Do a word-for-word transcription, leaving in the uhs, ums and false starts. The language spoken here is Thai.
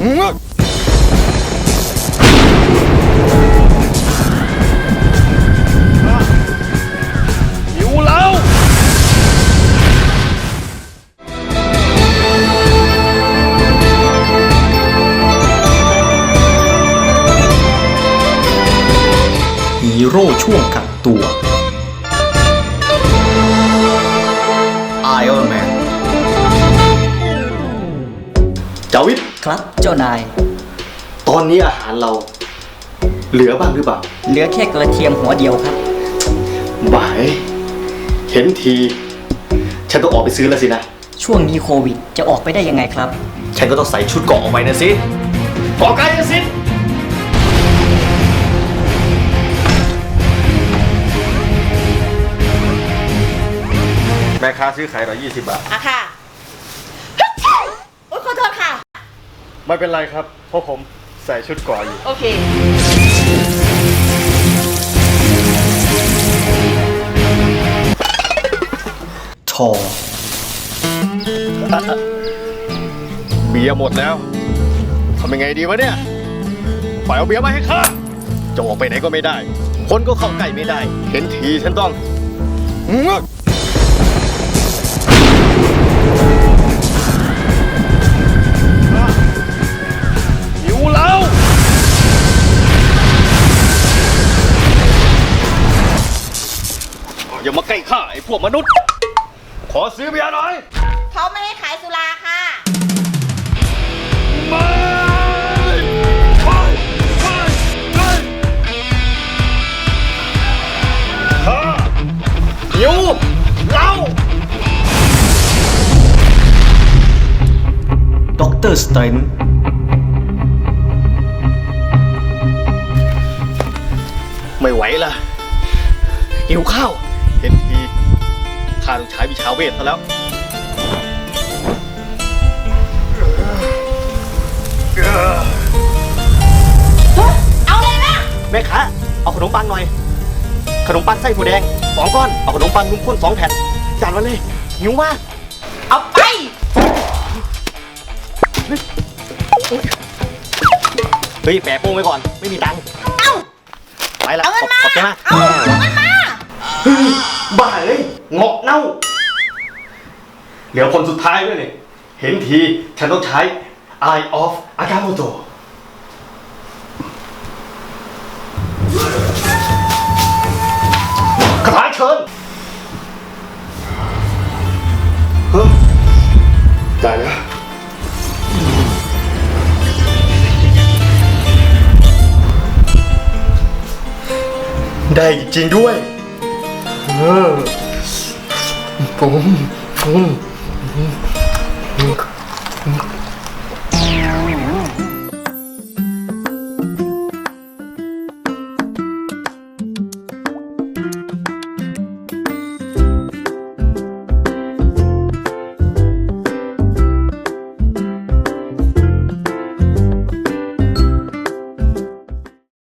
อยู่แล้วฮีโร่ช่วงกักตัว Iron Man จาวิทครับเจ้านายตอนนี้อาหารเรา เหลือบ้างหรือเปล่าเหลือแค่กระเทียมหัวเดียวครับบ่าย เห็นที ฉันต้องออกไปซื้อแล้วสินะช่วงนี้โควิดจะออกไปได้ยังไงครับฉันก็ต้องใส่ชุดเกราะออกไปนะสิเกราะไกลนะสิแม่ค้าซื้อขายหน่อยยี่สิบบาทอะค่ะโอ๊ยขอโทษค่ะไม่เป็นไรครับ เพราะผมใส่ชุดเกราะอยู่โอเคทอเบียร์หมดแล้วทำยังไงดีวะเนี่ยปล่อยเอาเบียร์มาให้ข้าจะออกไปไหนก็ไม่ได้ คนก็เข้าใกล้ไม่ได้ เห็นทีฉันต้องหิวแล้วอย่ามาใกล้ข้าไอ้พวกมนุษย์ ขอซื้อเบียร์หน่อยเขาไม่ให้ขายสุราค่ะไม่ไม่ไม่ไม่ข้าหิวเหล้าด็อกเตอร์สเตรนท์ไม่ไหวละหิวข้าว เห็นทีข้าต้องใช้วิชาเวทซะแล้วเอาเลยนะแม่ค้าเอาขนมปังหน่อย ขนมปังไส้ถั่วแดงสองก้อน เอาขนมปังนุ่มข้นสองแผ่นจานมาเลยหิวมากเอาไปเฮ้ยแปะโป้งไว้ก่อน ไม่มีตังค์เอาไปละเอาเงินมาขอบใจมากเอาเอาเงินมาบ้าเลยเงาะเน่า เหลือคนสุดท้ายด้วยเนี่ยเห็นที ฉันต้องใช้ Eye of Agamotto คาถาเชิญเฮ้ยได้แล้ว ได้จริงๆด้วย เออผมผม